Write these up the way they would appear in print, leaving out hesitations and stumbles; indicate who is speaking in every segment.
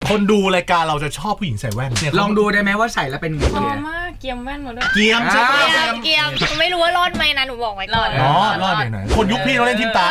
Speaker 1: คนดูรายการเราจะชอบผู้หญิงใส่แว่นเนี่ย
Speaker 2: ลองดูได้ไหมว่าใส่แล้วเป็นไง
Speaker 3: พอมากเกียมแว่นมาด้วย
Speaker 1: เกียมใช่ไหม
Speaker 4: เกียมไม่รู้ว่ารอดไหมนะหนูบอกไว้ก่อน
Speaker 1: อ๋อรอดไหนคนยุคพี่เราเล่นทิมตา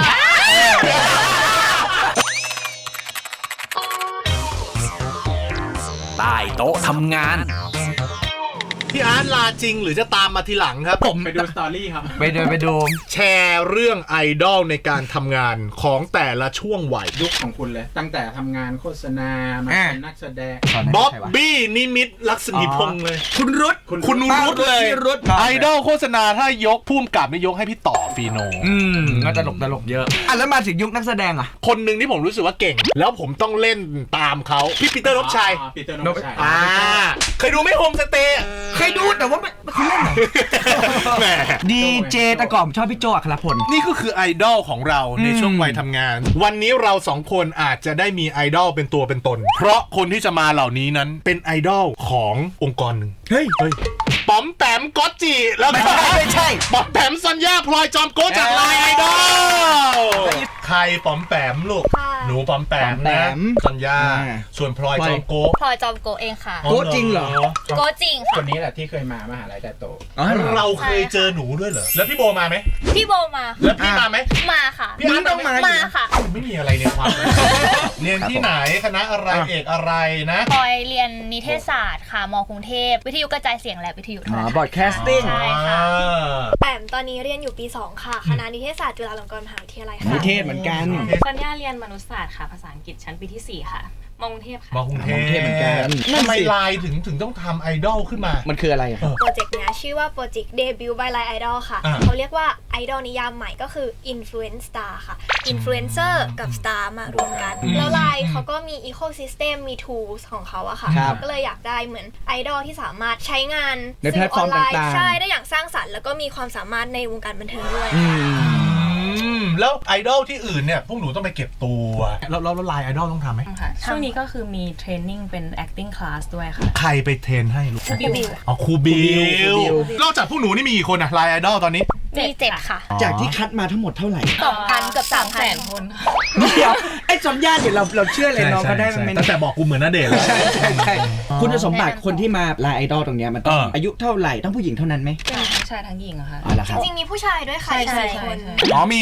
Speaker 5: ใต้โต๊ะทำงาน
Speaker 1: พี่อาร์ตลาจริงหรือจะตามมาทีหลังครับผม
Speaker 2: ไปดูสตอรี่ครับไปดู
Speaker 1: แชร์เรื่องไอดอลในการทำงานของแต่ละช่วงวัย
Speaker 6: ยุคของคุณเลย ตั้งแต่ทำงานโฆษณามาเป็นนักแสดง
Speaker 1: บ๊อบบี้นิมิตรลักษณีพงษ์เลย
Speaker 2: คุณรุต
Speaker 1: คุณรุตเลย
Speaker 2: รุต
Speaker 1: ไอดอลโฆษณาถ้ายกพุ่มกับไม่ยกให้พี่ต่อฟีโน
Speaker 2: ก็ตลกเยอะอ่ะแล้วมาถึงยุคนักแสดงอ่ะ
Speaker 1: คนหนึ่งที่ผมรู้สึกว่าเก่ง แล้วผมต้องเล่นตามเขาพี่ปีเตอร์นพชัย
Speaker 6: ปีเตอร์นพชัย
Speaker 1: เคยดูไหมโฮมสเตย์
Speaker 2: เคยดูแต่ว่าไม่คุณเล่นเหรอ
Speaker 1: แหม
Speaker 2: ดีเจแต่ก่อนชอบพี่โจอัครพล
Speaker 1: นี่ก็คือไอดอลของเราในช่วงวัยทำงาน วันนี้เราสองคนอาจจะได้มีไอดอลเป็นตัวเป็นตน เพราะคนที่จะมาเหล่านี้นั้นเป็นไอดอลขององค์กรหนึ่ง
Speaker 2: เฮ้ย
Speaker 1: ป๋อมแปมก๊อตจิแล้วก็
Speaker 2: ไม่ใช่
Speaker 1: ป๋อมแปมสัญญาพลอยจอมโก้จากไลน์ไอดอลใครป๋อมแปมลูกหนูป๋อมแปมนะสัญญาส่วนพลอยจอมโก้
Speaker 4: พลอยจอมโกเองค่ะ
Speaker 2: โก้จริงเหรอ
Speaker 4: โกจริง
Speaker 6: ค
Speaker 4: ค่ะ
Speaker 6: นนี้แหละที่เคยมามหาลัยแต่โต
Speaker 1: เราเคยเจอหนูด้วยเหรอแล้วพี่โบมาไหม
Speaker 4: พี่โบมา
Speaker 1: แล้วพี่มาไหม
Speaker 4: มาค่ะ
Speaker 1: พี่อาร์ต
Speaker 4: มาค่ะ
Speaker 1: ไม่มีอะไรในความเรียนที่ไหนคณะอะไรเอกอะไรนะ
Speaker 4: พลอยเรียนนิเทศศาสตร์ค่ะมกรุงเทพวิทยุกระจายเสียงและวิทยุโทรทัศน์
Speaker 2: บอดแคสติ้ง
Speaker 4: ใช่ค่ะ
Speaker 7: แปมตอนนี้เรียนอยู่ปี 2 ค่ะ คณะนิเทศศาสตร์จุฬาลงกรณ์มหาวิทยาลัยค่ะ
Speaker 2: นิเทศเหมือนกัน
Speaker 3: สัญญาเรียนมนุษยศาสตร์ค่ะภาษาอังกฤษชั้นปีที่ 4 ค่ะมกรุงเทพค่ะ
Speaker 1: มากรุงเท
Speaker 2: มากรุงเทพเหมือนกัน
Speaker 1: ทำไมไลน์ถึงต้องทำไอดอลขึ้นมา
Speaker 2: มันคืออะไรอ่ะ
Speaker 7: โปรเจกต์เนี้ยชื่อว่าโปรเจกต์ Debut by Line Idol ค่ะ
Speaker 1: อ่า
Speaker 7: เขาเรียกว่าไอดอลนิยามใหม่ก็คือ Influence Star ค่ะ Influencer กับ Star มารวมกัน แล้วไลน์เขาก็มี Ecosystem มี Tools ของเขาอะค่ะ
Speaker 2: ครับ
Speaker 7: ก็เลยอยากได้เหมือนไอดอลที่สามารถใช้งาน
Speaker 2: ในแพลตฟอร์ม
Speaker 7: สื่ออนไลน์
Speaker 2: ต่างๆ
Speaker 7: ใช่ได้อย่างสร้างสรรค์แล้วก็มีความสามารถในวงการบันเทิงด้วย
Speaker 1: แล้วไอดอลที่อื่นเนี่ยพวกหนูต้องไปเก็บตัวแล้วไลน์ไอดอลต้องทำไหม
Speaker 3: ค่ะ ช่วงนี้ก็คือมีเทรนนิ่งเป็น acting class ด้วยค่ะ
Speaker 1: ใครไปเทรนให้ลูก
Speaker 4: ครูบิว
Speaker 1: อ๋อครูบิ
Speaker 2: ครูบิ
Speaker 1: ว
Speaker 2: ว
Speaker 1: นอกจากพวกหนูนี่มีกี่คนอะไลน์ไอดอลตอนนี้
Speaker 4: มี7ค่ะ
Speaker 2: จากที่คัดมาทั้งหมดเท่าไหร่
Speaker 4: 2,000 เกือบ 3,000
Speaker 3: คนค่ะ
Speaker 2: เดี๋ยวไอ้สัญญาเดี๋ยวเราเชื่อเลยน้องเขาได้มันไม่
Speaker 1: ตั้งแต่บอกกูเหมือนณเดชน์แล้ว
Speaker 2: ใช่คุณสมบัติคนที่มาไลน์ไอดอลตรงเนี้ยมันต้องอายุเท่าไหร่ต้องผู้หญิงเท่านั้นไหม
Speaker 3: เป็นทั้งชายทั้งหญิงอะค่ะ
Speaker 2: อ๋อเหรอครับ
Speaker 7: จริงๆมีผู้ชายด้วยค่ะ
Speaker 3: ใช่ใช่
Speaker 7: 4 คน
Speaker 1: อ๋อมี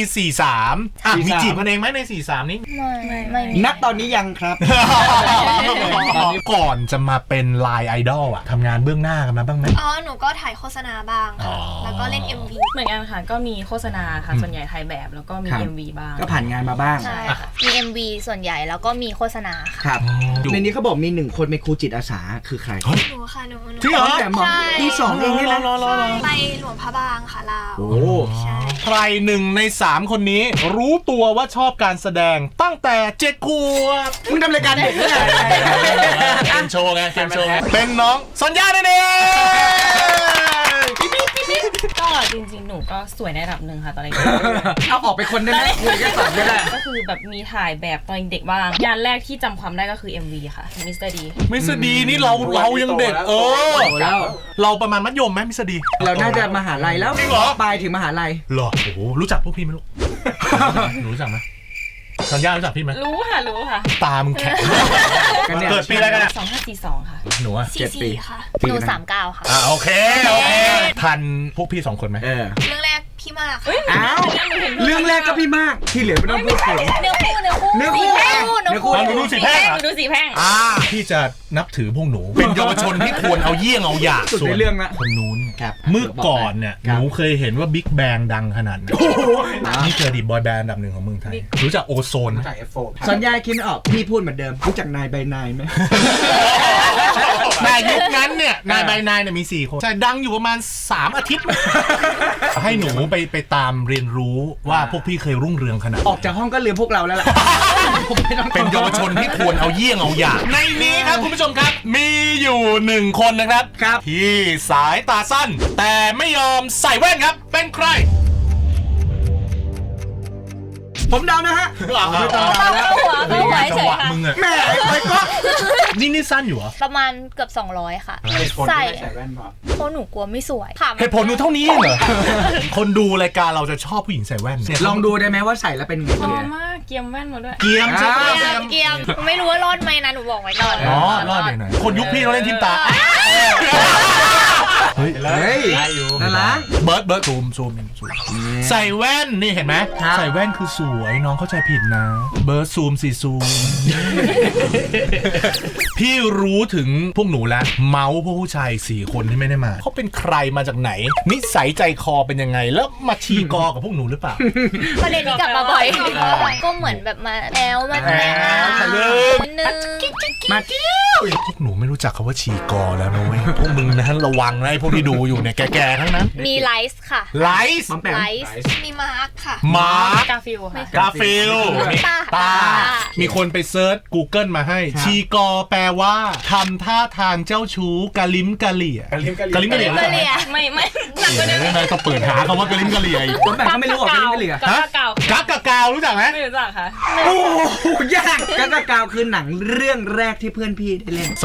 Speaker 1: 43อ่ะมี
Speaker 2: 43
Speaker 1: จีบกันเองไหมใน 43 นี้
Speaker 4: ไม่มี
Speaker 2: นักตอนนี้ยังครับ
Speaker 1: ก่อนจะมาเป็นไลน์ไอดอลอะทำงานเบื้องหน้ากันมาบ้างไหม
Speaker 7: อ๋อ หนูก็ถ่ายโฆษณาบ้างค่ะ แล้วก็เล่น MV
Speaker 3: เหมือนกันค่ะ ก็มีโฆษณาค่ะ ส่วนใหญ่ถ่ายแบบแล้วก็มี
Speaker 2: ครับ
Speaker 3: MV บ้าง
Speaker 2: ก็ผ่านงานมาบ้าง
Speaker 4: ใช่ค่ะมี MV ส่วนใหญ่แล้วก็มีโฆษณาค่ะ
Speaker 2: ครับในนี้เขาบอกมี1คนเป็นครูจิตอาสาคือใคร
Speaker 7: หนูค่ะหนู
Speaker 1: จริงเหรอ
Speaker 2: แต่หมอ
Speaker 7: ใช่
Speaker 2: ที่สองเองนี่นะ
Speaker 7: ใช่ไปหลวงพระบางค่ะลาว
Speaker 2: โอ้
Speaker 7: ใช่
Speaker 1: ใคร1 ใน 3 คนนี้ รู้ตัวว่าชอบการแสดงตั้งแต่7 ขวบ
Speaker 2: มึงทำรายการเด็กเนี่ย
Speaker 1: เกมโชว์ไงเกมโชว์ไงเป็นน้องสัญญานั่นเอง
Speaker 3: ก็จริงๆ หนูก็สวยในระดับหนึ่งค่ะตอนเด็ก
Speaker 2: เอาออกไปคนได้ไหมคุยกันสอนไม่ได้
Speaker 3: ก็คือแบบมีถ่ายแบบตอนเด็กบ้างงานแรกที่จำความได้ก็คือ MV ค่ะมิสเตอร์ดี
Speaker 1: มิสดีนี่เรายังเด็ก
Speaker 2: แล้ว
Speaker 1: เราประมาณมัธยมไหมมิสดี
Speaker 2: เราน่าจะมหาลัยแล้ว
Speaker 1: จริงเหรอ
Speaker 2: ปลายถึงมหาลัย
Speaker 1: เหรอโอ้โหรู้จักพวกพี่ไหมลูก หนูรู้จักไหมสัญญารู้จักพี่ไหม
Speaker 3: รู้ค่ะ รู้ค่ะ
Speaker 1: ตามึงแข็ง
Speaker 2: กันเนี่ย
Speaker 1: เกิดปีอะไรกันอะ
Speaker 3: 2542 ค่ะ
Speaker 1: หนูอะ
Speaker 2: 7 ปี
Speaker 7: ค่ะ
Speaker 4: หนู 39 ค่ะ
Speaker 1: โอเคทันพวกพี่2 คนไหม
Speaker 2: เออ
Speaker 7: เรื่องแรกพี่มากค่ะ
Speaker 2: อ้าวเรื่องแรกก็พี่มากที่เหลือไม่ต้องพูดถึง
Speaker 4: เนื้อคู่
Speaker 2: เนื้อคู่
Speaker 4: เนื้อคู่
Speaker 1: หนูดูสีแพร่ง
Speaker 3: หนูดูสีแพร่ง
Speaker 1: พี่จะนับถือพวกหนู เป็นเยาวชนที่ควรเอาเยี่ยงเอาอย่าง
Speaker 2: สุดในเรื่องละ
Speaker 1: คนนู้น
Speaker 2: ครับ
Speaker 1: เมื่อก่อนเนี่ย
Speaker 2: ครั
Speaker 1: ห
Speaker 2: บ
Speaker 1: นูเคยเห็นว่าบิ๊กแบงดังขนาดไหนนี่คืออดีตบอยแบนด์อันดับ 1ของเมืองไทย รู้จักโอโซนไหม
Speaker 6: จาก F4
Speaker 2: สัญญาคิดไม่ออกพี่พูดเหมือนเดิมรู้จักนายใบนายไหม
Speaker 1: แต่ยุคนั้นเนี่ยนายใบนายเนี่ยมี4 คนใช่ดังอยู่ประมาณ3 อาทิตย์ ให้หนูไปตามเรียนรู้ว่าพวกพี่เคยรุ่งเรืองขนาดไหน
Speaker 2: ออกจากห้องก็ลืมพวกเราแล้วล่ะ
Speaker 1: เป็นเยาวชนที่ควรเอาเยี่ยงเอาอย่างในนี้ครับคุณผู้ชมครับ มีอยู่1 คนนะครับ
Speaker 2: ครับ
Speaker 1: ที่สายตาสั้น แต่ไม่ยอมใส่แว่นครับเป็นใคร
Speaker 2: ผมเดานะฮะ
Speaker 1: เอา
Speaker 4: เข้าหัวเฉยค่ะ
Speaker 1: มึงอะ
Speaker 2: แม่ไปก็
Speaker 1: นี่สั้นอยู่เหรอ
Speaker 4: ประมาณเกือบ200 ค่ะ
Speaker 6: เหตุผลที่
Speaker 4: ใส่
Speaker 6: ไม่ใส่แว่นเพราะ
Speaker 4: เพราะหนูกลัวไม่สวยค่ะ
Speaker 1: เหตุผลดูเท่านี้เองเหรอ คนดูรายการเราจะชอบผู้หญิงใส่แว่นเนี่ย
Speaker 2: ลองดูได้ไหมว่าใส่แล้วเป็นไง
Speaker 3: พอมากเกียมแว่นมาด้วย
Speaker 1: เกียมใช่ไหม
Speaker 4: เกียมไม่รู้ว่ารอดไหมนะหนูบอกไว้ก่อน
Speaker 1: อ๋อรอดหน่อยๆคนยุคพี่เราเล่นทิมตาเฮ้ย
Speaker 2: เฮ้ยน่ารัก
Speaker 1: เบิร์ดซูมใส่แว่นนี่เห็นไหม
Speaker 2: ครับ
Speaker 1: ใส่แว่นคือสวยน้องเข้าใจผิดนะ เบิร์ดซูมพี่รู้ถึงพวกหนูแล้วเมาส์พวกผู้ชาย4 คนที่ไม่ได้มาเขาเป็นใครมาจากไหน นิสัยใจคอเป็นยังไง แล้วมาชีกอกับพวกหนูหรือเปล่า
Speaker 4: ประเด็นนี้กลับมาบ่อยก็เหมือนแบบมาแอลมาแนว
Speaker 1: ทะลึ่ง
Speaker 4: นิดนึง
Speaker 2: มาเที่ยว
Speaker 1: พวกหนูไม่รู้จักคำว่าชีกอแล้วนะเว้ยพวกมึงนะระวังนะไอ้พวกที่ดูอยู่เนี่ยแก่ๆทั้งนั้น
Speaker 4: มีไลฟ์ค่ะ
Speaker 1: ไลฟ์
Speaker 2: ปั๊มแปม
Speaker 4: ไลฟ์
Speaker 7: มีมาร์คค่ะ
Speaker 1: มาร์ค
Speaker 3: กาฟิลค่ะ
Speaker 1: กาฟิลมีตา มีคนไปเซิร์ช Google มาให้ ชีกอแปลว่าทำท่าทางเจ้าชู้กะลิมกะเหลี่ยกะลิมกะเหลี่ย
Speaker 4: กะเหลี่ย
Speaker 3: ไม่หนักกว่านี้
Speaker 1: นายต้องเปิดหาคำว่ากะลิมกะเหลี่ยอีก
Speaker 2: ปั๊มแปมเขาไม่รู้หรอกเป็นไม่เหลือ
Speaker 3: กาเก่า
Speaker 1: กักกะกาวรู้จักไหม
Speaker 3: ไม่รู้จักค่ะ
Speaker 2: โอ้โหยากกักกะกาวคือหนังเรื่องแรกที่เพื่อนพี่ได้เล่น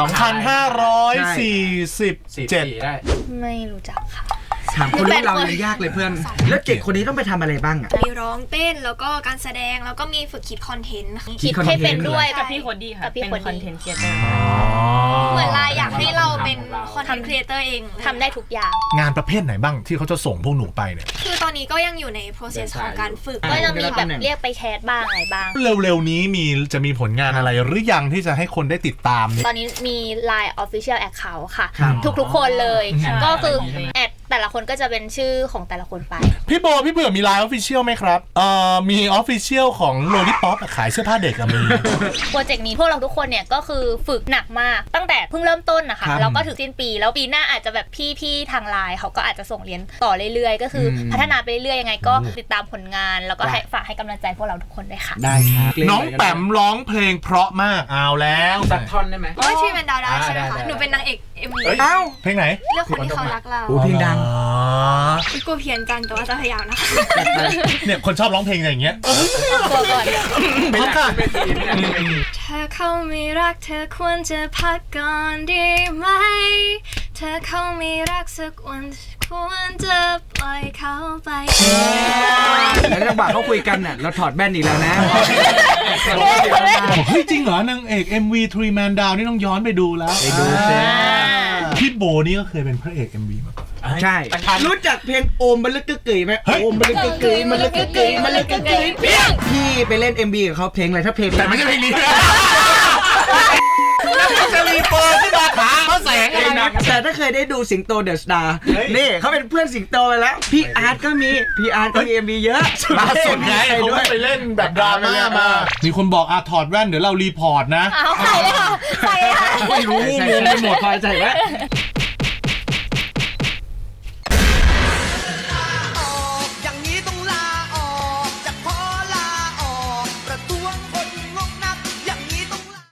Speaker 1: 2547
Speaker 6: ได้
Speaker 4: ไม่รู้จักค่ะ
Speaker 2: ถามคนรู้เรายังยากเลยเพื่อน แล้ว7 คนนี้ต้องไปทำอะไรบ้างอ่ะ
Speaker 7: มีร้องเต้นแล้วก็การแสดงแล้วก็มีฝึกคิดคอนเทนต์ค่ะ
Speaker 2: คิ
Speaker 4: คิ
Speaker 2: ด
Speaker 4: ด
Speaker 2: คอนเทนต์
Speaker 4: ให้เป็นด้วย
Speaker 3: กับพี่โคดดี้ค่ะ
Speaker 4: กับพี่
Speaker 3: เป็น
Speaker 4: โคดดี้
Speaker 3: คอนเทนต์ครีเอเตอร์
Speaker 7: เหมือนลายอยากให้เราเป็นคอนเทนต์ครีเอเตอร์เอง
Speaker 4: ทำได้ทุกอย่าง
Speaker 1: งานประเภทไหนบ้างที่เขาจะส่งพวกหนูไปเนี่ย
Speaker 7: คือตอนนี้ก็ยังอยู่ใน process ของการฝึก
Speaker 4: ก็จะมีแบบเรียกไปแคสบ้างอะไรบ้าง
Speaker 1: เร็วๆนี้จะมีผลงานอะไรหรือยังที่จะให้คนได้ติดตามเนี่ย
Speaker 4: ตอนนี้มี Line Official Account ค่ะ
Speaker 2: ครับ
Speaker 4: ทุกๆคนเลย
Speaker 3: ใช่
Speaker 4: ก็คือแอดแต่ละคนก็จะเป็นชื่อของแต่ละคนไป
Speaker 1: พี่โบพี่เบื่อมีไลน์ออฟฟิเชียลไหมครับมีออฟฟิเชียลของโลลิป๊อปขายเสื้อผ้าเด็กอะมี
Speaker 4: โปรเจกต์นี้พวกเราทุกคนเนี่ยก็คือฝึกหนักมากตั้งแต่เพิ่งเริ่มต้นนะคะ
Speaker 2: ครับ
Speaker 4: แล้วก็ถึงสิ้นปีแล้วปีหน้าอาจจะแบบพี่ๆทางไลน์เขาก็อาจจะส่งเรียนต่อเรื่อยๆ ก็คืออพัฒนาไปเรื่อยๆยังไงก็ติดตามผลงานแล้วก็ให้ฝากให้กำลังใจพวกเราทุกคนด้วยค่ะ
Speaker 2: ได้ครับ
Speaker 1: น้องแปมร้องเพลงเพราะมากเอาแล้ว
Speaker 6: สักท่อนได้ไหม
Speaker 7: โอ้ยที่เป็นดาวได้ใช่ไหม
Speaker 6: ได้
Speaker 7: คะ
Speaker 6: ได้
Speaker 7: หนูเป็นนางเอก MV
Speaker 2: เอ้า
Speaker 1: เพลงไหน
Speaker 7: เรื่องคนที่เขารักเรา
Speaker 2: โอ้เพลงดัง
Speaker 1: อ๋อ
Speaker 7: กลัวเพี้ยนกันแต่ว่าจะพยายามนะคะ
Speaker 1: เนี่ยคนชอบร้องเพลงอย่างเงี้ย
Speaker 4: ตัวก่อน
Speaker 1: พร้อมค่ะ
Speaker 7: ถ้าเขาไม่รักเธอควรจะพักก่อนดีไหม ถ้าเขาไม่รักสักวันควรจะปล่อยเขาไป
Speaker 2: แล้วจังหวะเขาคุยกันน่ะเราถอดแว่นอีกแล้วนะ
Speaker 1: เฮ้ยจริงเหรอนางเอก MV Three Man Down นี่ต้องย้อนไปดูแล้ว
Speaker 2: ไปดูสิ
Speaker 1: พี่โบนี่ก็เคยเป็นพระเอก MV มาก่อน
Speaker 2: ใช่ รู้จักเพลงโอมบัลลึกกึกกึ๋ยไหม
Speaker 1: เฮ้ย
Speaker 2: โอมบัลลึกกึกกึ๋ยมันลึกกึกกึ๋ยมันลึกกึกกึ๋ยเปี้ยงพี่ไปเล่น MV กับเขาเพลงอะไรถ้าเพลง
Speaker 1: แต่ไม่ใช่เพลงนี้จะรีเปิดขึ้นมาถามเขาแสงอะไรนะ
Speaker 2: แต่ถ้าเคยได้ดูสิงโตเดอะสตาร์นี่เขาเป็นเพื่อนสิงโตไปแล้ว พี่อาร์ตก็มี MV เยอะ
Speaker 1: ล่าสุดไงเขา
Speaker 2: ด้วย
Speaker 1: ไปเล่นแบบดราม่ามามีคนบอกถอดแว่นเดี๋ยวเรารีพอร์ตนะ
Speaker 4: เอาใส่เลยค่ะใส่เลยค่ะ
Speaker 1: ไม่รู้
Speaker 2: ใส่
Speaker 1: งงไปหมด
Speaker 2: คอยใส่ไว้